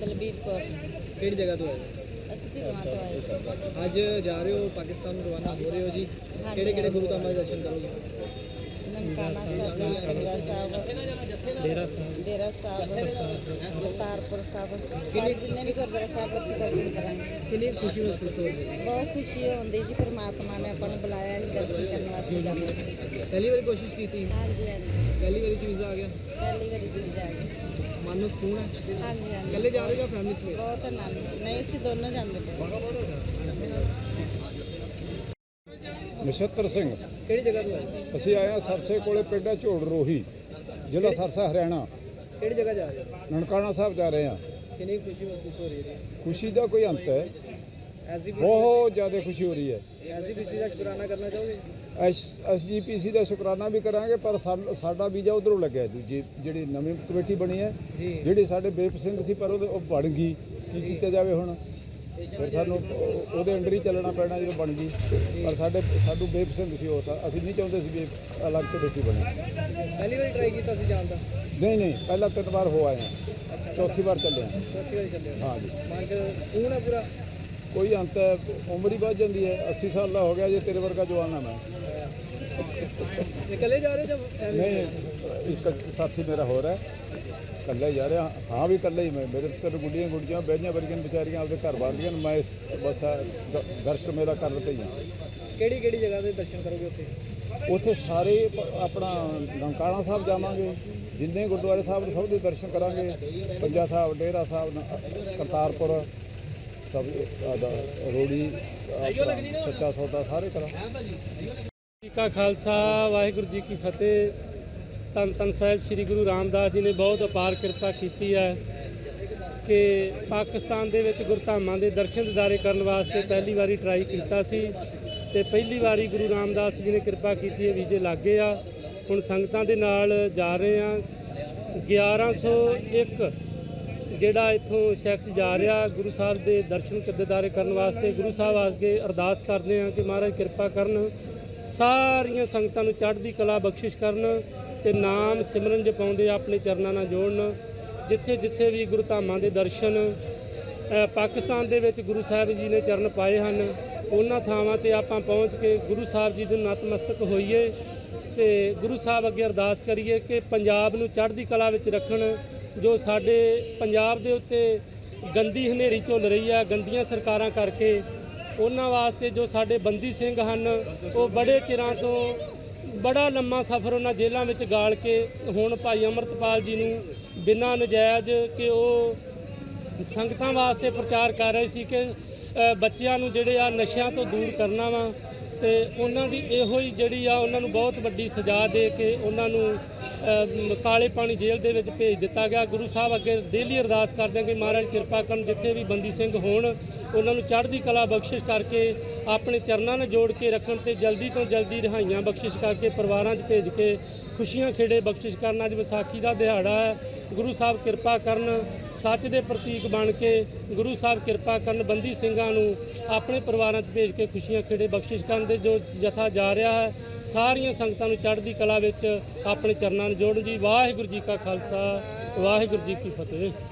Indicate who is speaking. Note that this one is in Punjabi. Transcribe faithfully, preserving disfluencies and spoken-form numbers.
Speaker 1: ਦਲਬੀਰ ਕੌਰ।
Speaker 2: ਕਿਹੜੀ ਜਗ੍ਹਾ ਤੋਂ ਆਏ
Speaker 1: ਅਸੀਂ ਢਿਲਵਾਂ ਤੋਂ ਆਏ।
Speaker 2: ਅੱਜ ਜਾ ਰਹੇ ਹੋ ਪਾਕਿਸਤਾਨ ਨੂੰ ਰਵਾਨਾ ਹੋ ਰਹੇ ਹੋ ਜੀ,
Speaker 1: ਹਾਂਜੀ,
Speaker 2: ਕਿਹੜੇ ਕਿਹੜੇ
Speaker 1: ਹਾਂਜੀ।
Speaker 2: ਗੁਰੂ ਧਾਮਾਂ ਦੇ ਦਰਸ਼ਨ ਕਰੋਗੇ?
Speaker 1: ਨਨਕਾਣਾ ਸਾਹਿਬ, ਕੰਗਲਾ ਸਾਹਿਬ,
Speaker 3: ਡੇਰਾ ਸਾਹਿਬ,
Speaker 1: ਡੇਰਾ ਸਾਹਿਬ, ਕਰਤਾਰਪੁਰ ਸਾਹਿਬ, ਸਾਰੇ ਜਿੰਨੇ ਵੀ ਗੁਰਦੁਆਰਾ ਸਾਹਿਬ ਉੱਥੇ ਦਰਸ਼ਨ ਕਰਾਂਗੇ।
Speaker 2: ਕਿੰਨੀ ਖੁਸ਼ੀ ਮਹਿਸੂਸ ਹੋ ਰਹੀ ਹੈ?
Speaker 1: ਬਹੁਤ ਖੁਸ਼ੀ ਹੁੰਦੀ ਜੀ, ਪਰਮਾਤਮਾ ਨੇ ਆਪਾਂ ਨੂੰ ਬੁਲਾਇਆ ਹੈ ਦਰਸ਼ਨ ਕਰਨ ਵਾਸਤੇ ਜਾਂਦੇ।
Speaker 2: ਪਹਿਲੀ ਵਾਰੀ ਕੋਸ਼ਿਸ਼ ਕੀਤੀ?
Speaker 1: ਹਾਂਜੀ ਹਾਂਜੀ,
Speaker 2: ਪਹਿਲੀ ਵਾਰੀ ਚ ਵੀਜ਼ਾ ਆ ਗਿਆ?
Speaker 1: ਪਹਿਲੀ ਵਾਰੀ ਜੀ ਜਾ ਕੇ।
Speaker 2: ਮਨ ਨੂੰ ਸਕੂਨ ਹੈ?
Speaker 1: ਹਾਂਜੀ ਹਾਂਜੀ,
Speaker 2: ਇਕੱਲੇ ਜਾ ਰਹੇ ਹੋ ਜਾਂ ਫੈਮਿਲੀ ਸਮੇਤ?
Speaker 1: ਬਹੁਤ ਆਨੰਦ। ਨਹੀਂ, ਅਸੀਂ ਦੋਨੋਂ ਜਾਂਦੇ ਪਏ।
Speaker 4: ਨਛੱਤਰ ਸਿੰਘ।
Speaker 2: ਕਿਹੜੀ ਜਗ੍ਹਾ ਤੋਂ ਆਏ?
Speaker 4: ਅਸੀਂ ਆਏ ਹਾਂ ਸਰਸੇ ਕੋਲੇ ਪਿੰਡ ਹੈ ਝੋੜ ਰੋਹੀ, ਜ਼ਿਲ੍ਹਾ ਸਰਸਾ, ਹਰਿਆਣਾ।
Speaker 2: ਕਿਹੜੀ ਜਗ੍ਹਾ ਜਾ ਰਹੇ ਹੋ?
Speaker 4: ਨਨਕਾਣਾ ਸਾਹਿਬ ਜਾ ਰਹੇ ਹਾਂ।
Speaker 2: ਕਿੰਨੀ ਖੁਸ਼ੀ ਮਹਿਸੂਸ ਹੋ ਰਹੀ ਹੈ?
Speaker 4: ਖੁਸ਼ੀ ਦਾ ਕੋਈ ਅੰਤ ਹੈ,
Speaker 2: ਐਸਜੀਪੀਸੀ
Speaker 4: ਬਹੁਤ ਜ਼ਿਆਦਾ ਖੁਸ਼ੀ ਹੋ ਰਹੀ ਹੈ।
Speaker 2: ਐਸਜੀਪੀਸੀ ਦਾ ਸ਼ੁਕਰਾਨਾ ਕਰਨਾ ਚਾਹੋਗੇ?
Speaker 4: ਐਸ ਜੀ ਪੀ ਸੀ ਦਾ ਸ਼ੁਕਰਾਨਾ ਵੀ ਕਰਾਂਗੇ, ਪਰ ਸਾ- ਸਾਡਾ ਵੀਜ਼ਾ ਉਧਰੋਂ ਲੱਗਿਆ, ਦੂਜੀ ਜਿਹੜੀ ਨਵੀਂ ਕਮੇਟੀ ਬਣੀ ਹੈ,
Speaker 2: ਜੀ।
Speaker 4: ਜਿਹੜੀ ਸਾਡੇ ਬੇਪਸੰਦ ਸੀ ਪਰ ਉਹਦੇ ਉਹ ਬਣ ਗਈ। ਕੀ ਕੀਤਾ ਜਾਵੇ ਹੁਣ? ਫਿਰ ਸਾਨੂੰ ਉਹ- ਉਹਦੇ ਅੰਡਰ ਹੀ ਚੱਲਣਾ ਪੈਣਾ ਜਦੋਂ ਬਣ ਗਈ। ਪਰ ਸਾਡੇ ਸਾਨੂੰ ਬੇਪਸੰਦ ਸੀ ਉਹ, ਅਸੀਂ ਨਹੀਂ ਚਾਹੁੰਦੇ ਸੀ ਵੀ ਅਲੱਗ ਕਮੇਟੀ ਬਣੇ।
Speaker 2: ਪਹਿਲੀ ਵਾਰੀ ਟਰਾਈ ਕੀਤਾ ਸੀ ਜਾਣ ਦਾ?
Speaker 4: ਨਹੀਂ ਨਹੀਂ, ਪਹਿਲਾਂ ਤਿੰਨ ਵਾਰ ਹੋ ਆਏ ਹਾਂ, ਚੌਥੀ ਵਾਰ ਚੱਲੇ ਹਾਂ।
Speaker 2: ਚੌਥੀ ਵਾਰੀ ਚੱਲੇ ਹੋ?
Speaker 4: ਹਾਂ ਜੀ।
Speaker 2: ਮਨ ਚ ਸਕੂਨ ਹੈ ਪੂਰਾ?
Speaker 4: ਕੋਈ ਅੰਤ ਹੈ, ਉਮਰ ਹੀ ਵੱਧ ਜਾਂਦੀ ਹੈ। ਅੱਸੀ ਸਾਲ ਦਾ ਹੋ ਗਿਆ ਜੇ, ਤੇਰੇ ਵਰਗਾ ਜਵਾਨ ਆ ਮੈਂ।
Speaker 2: ਇਕੱਲੇ ਜਾ ਰਹੇ ਹੋ ਜਾਂ family
Speaker 4: ਨਹੀਂ,
Speaker 2: ਨਾਲ?
Speaker 4: ਇੱਕ ਸਾਥੀ ਮੇਰਾ ਹੋਰ ਹੈ, ਇਕੱਲਾ ਹੀ ਜਾ ਰਿਹਾ। ਹਾਂ ਵੀ ਇਕੱਲਾ ਹੀ ਮੈਂ, ਮੇਰੇ ਤੇ ਗੁੱਡੀਆਂ ਗੁੱਡੀਆਂ ਬਹਿਆਂ ਵਰਗੀਆਂ ਵਿਚਾਰੀਆਂ ਆਪਦੇ ਘਰ ਬਾਹਰਦੀਆਂ। ਮੈਂ ਇਸ ਬਸ ਆਹ ਦ- ਦਰਸ਼ਨ ਮੇਰਾ ਕਰਨ ਤੇ ਹੀ ਹਾਂ।
Speaker 2: ਕਿਹੜੀ ਕਿਹੜੀ ਜਗ੍ਹਾ ਦੇ ਦਰਸ਼ਨ ਕਰੋਗੇ ਉੱਥੇ?
Speaker 4: ਉੱਥੇ ਸਾਰੇ ਪ- ਆਪਣਾ ਨਨਕਾਣਾ ਸਾਹਿਬ ਜਾਵਾਂਗੇ, ਜਿੰਨੇ ਗੁਰਦੁਆਰੇ ਸਾਹਿਬ ਨੇ ਸਭ ਦੇ ਦਰਸ਼ਨ ਕਰਾਂਗੇ। ਪੰਜਾ ਸਾਹਿਬ, ਡੇਰਾ ਸਾਹਿਬ, ਨ- ਕਰਤਾਰਪੁਰ, ਸਭ ਆਦਾ ਰੋੜੀ, ਆਪਣਾ ਸੱਚਾ ਸੌਦਾ, ਸਾਰੇ ਕਰਾਂਗੇ।
Speaker 3: ਜੀ ਕਾ ਖਾਲਸਾ, ਵਾਹਿਗੁਰੂ ਜੀ ਕੀ ਫਤਿਹ। ਧੰਨ ਧੰਨ ਸਾਹਿਬ ਸ੍ਰੀ ਗੁਰੂ ਰਾਮਦਾਸ ਜੀ ਨੇ ਬਹੁਤ ਅਪਾਰ ਕਿਰਪਾ ਕੀਤੀ ਹੈ ਕਿ ਪਾਕਿਸਤਾਨ ਦੇ ਵਿੱਚ ਗੁਰਧਾਮਾਂ ਦੇ ਦਰਸ਼ਨ ਦਿਦਾਰੇ ਕਰਨ ਵਾਸਤੇ ਪਹਿਲੀ ਵਾਰੀ ਟਰਾਈ ਕੀਤਾ ਸੀ ਤੇ ਪਹਿਲੀ ਵਾਰੀ ਗੁਰੂ ਰਾਮਦਾਸ ਜੀ ਨੇ ਕਿਰਪਾ ਕੀਤੀ ਹੈ, ਵੀਜ਼ੇ ਲੱਗ ਗਏ ਆ। ਹੁਣ ਸੰਗਤਾਂ ਦੇ ਨਾਲ ਜਾ ਰਹੇ ਆ। ਗਿਆਰਾਂ ਸੌ ਇੱਕ ਜਿਹੜਾ ਇੱਥੋਂ ਸ਼ਖਸ ਜਾ ਰਿਹਾ ਗੁਰੂ ਸਾਹਿਬ ਦੇ ਦਰਸ਼ਨ ਦਿਦਾਰੇ ਕਰਨ ਵਾਸਤੇ। ਗੁਰੂ ਸਾਹਿਬ ਅੱਗੇ ਅਰਦਾਸ ਕਰਦੇ ਆ ਕਿ ਮਹਾਰਾਜ ਕਿਰਪਾ ਕਰਨ, ਸਾਰੀਆਂ ਸੰਗਤਾਂ ਨੂੰ ਚੜ੍ਹਦੀ ਕਲਾ ਬਖਸ਼ਿਸ਼ ਕਰਨ ਤੇ ਨਾਮ ਸਿਮਰਨ ਜਪਾਉਂਦੇ ਆਪਣੇ ਚਰਨਾਂ ਨਾਲ ਜੋੜਨ। ਜਿੱਥੇ ਜਿੱਥੇ ਵੀ ਗੁਰੂ ਧਾਮਾਂ ਦੇ ਦਰਸ਼ਨ ਅ, ਪਾਕਿਸਤਾਨ ਦੇ ਵਿੱਚ ਗੁਰੂ ਸਾਹਿਬ ਜੀ ਨੇ ਚਰਨ ਪਾਏ ਹਨ, ਉਹਨਾਂ ਥਾਵਾਂ ਤੇ ਆਪਾਂ ਪਹੁੰਚ ਕੇ ਗੁਰੂ ਸਾਹਿਬ ਜੀ ਦੇ ਨਤਮਸਤਕ ਹੋਈਏ ਤੇ ਗੁਰੂ ਸਾਹਿਬ ਅੱਗੇ ਅਰਦਾਸ ਕਰੀਏ ਕਿ ਪੰਜਾਬ ਨੂੰ ਚੜ੍ਹਦੀ ਕਲਾ ਵਿੱਚ ਰੱਖਣ। ਜੋ ਸਾਡੇ ਪੰਜਾਬ ਦੇ ਉੱਤੇ ਗੰਦੀ ਹਨੇਰੀ ਝੁੱਲ ਰਹੀ ਹੈ ਗੰਦੀਆਂ ਸਰਕਾਰਾਂ ਕਰਕੇ, ਉਹਨਾਂ ਵਾਸਤੇ ਜੋ ਸਾਡੇ ਬੰਦੀ ਸਿੰਘ ਹਨ, ਉਹ ਬੜੇ ਚਿਰਾਂ ਤੋਂ ਬੜਾ ਲੰਮਾ ਸਫ਼ਰ ਉਹਨਾਂ ਜੇਲ੍ਹਾਂ ਵਿੱਚ ਗਾਲ ਕੇ ਹੁਣ ਭਾਈ ਅੰਮ੍ਰਿਤਪਾਲ ਜੀ ਨੂੰ ਬਿਨਾਂ ਨਜਾਇਜ਼ ਕਿ ਉਹ ਸੰਗਤਾਂ ਵਾਸਤੇ ਪ੍ਰਚਾਰ ਕਰ ਰਹੇ ਸੀ ਕਿ ਅ, ਬੱਚਿਆਂ ਨੂੰ ਜਿਹੜੇ ਆ ਨਸ਼ਿਆਂ ਤੋਂ ਦੂਰ ਕਰਨਾ ਵਾ ਤੇ ਉਹਨਾਂ ਦੀ ਇਹੋ ਹੀ ਜਿਹੜੀ ਆ ਉਹਨਾਂ ਨੂੰ ਬਹੁਤ ਵੱਡੀ ਸਜ਼ਾ ਦੇ ਕੇ ਉਹਨਾਂ ਨੂੰ ਅ, ਕਾਲੇ ਪਾਣੀ ਜੇਲ੍ਹ ਦੇ ਵਿੱਚ ਭੇਜ ਦਿੱਤਾ ਗਿਆ। ਗੁਰੂ ਸਾਹਿਬ ਅੱਗੇ ਡੇਲੀ ਅਰਦਾਸ ਕਰਦੇ ਹਾਂ ਕਿ ਮਹਾਰਾਜ ਕਿਰਪਾ ਕਰਨ, ਜਿੱਥੇ ਵੀ ਬੰਦੀ ਸਿੰਘ ਹੋਣ ਉਹਨਾਂ ਨੂੰ ਚੜ੍ਹਦੀ ਕਲਾ ਬਖਸ਼ਿਸ਼ ਕਰਕੇ ਆਪਣੇ ਚਰਨਾਂ ਨਾਲ ਜੋੜ ਕੇ ਰੱਖਣ ਤੇ ਜਲਦੀ ਤੋਂ ਜਲਦੀ ਰਿਹਾਈਆਂ ਬਖਸ਼ਿਸ਼ ਕਰਕੇ ਪਰਿਵਾਰਾਂ 'ਚ ਭੇਜ ਕੇ ਖੁਸ਼ੀਆਂ ਖੇੜੇ ਬਖਸ਼ਿਸ਼ ਕਰਨ। ਅੱਜ ਵਿਸਾਖੀ ਦਾ ਦਿਹਾੜਾ ਹੈ, ਗੁਰੂ ਸਾਹਿਬ ਕਿਰਪਾ ਕਰਨ, ਸੱਚ ਦੇ ਪ੍ਰਤੀਕ ਬਣ ਕੇ ਗੁਰੂ ਸਾਹਿਬ ਕਿਰਪਾ ਕਰਨ, ਬੰਦੀ ਸਿੰਘਾਂ ਨੂੰ ਆਪਣੇ ਪਰਿਵਾਰਾਂ 'ਚ ਭੇਜ ਕੇ ਖੁਸ਼ੀਆਂ ਖੇੜੇ ਬਖਸ਼ਿਸ਼ ਕਰਨ ਦੇ ਜੋ ਜਥਾ ਜਾ ਰਿਹਾ ਹੈ, ਸਾਰੀਆਂ ਸੰਗਤਾਂ ਨੂੰ ਚੜ੍ਹਦੀ ਕਲਾ ਵਿੱਚ ਆਪਣੇ ਚਰਨਾਂ ਨੂੰ ਜੋੜਨ ਜੀ। ਵਾਹਿਗੁਰੂ ਜੀ ਕਾ ਖਾਲਸਾ, ਵਾਹਿਗੁਰੂ ਜੀ ਕੀ ਫਤਿਹ।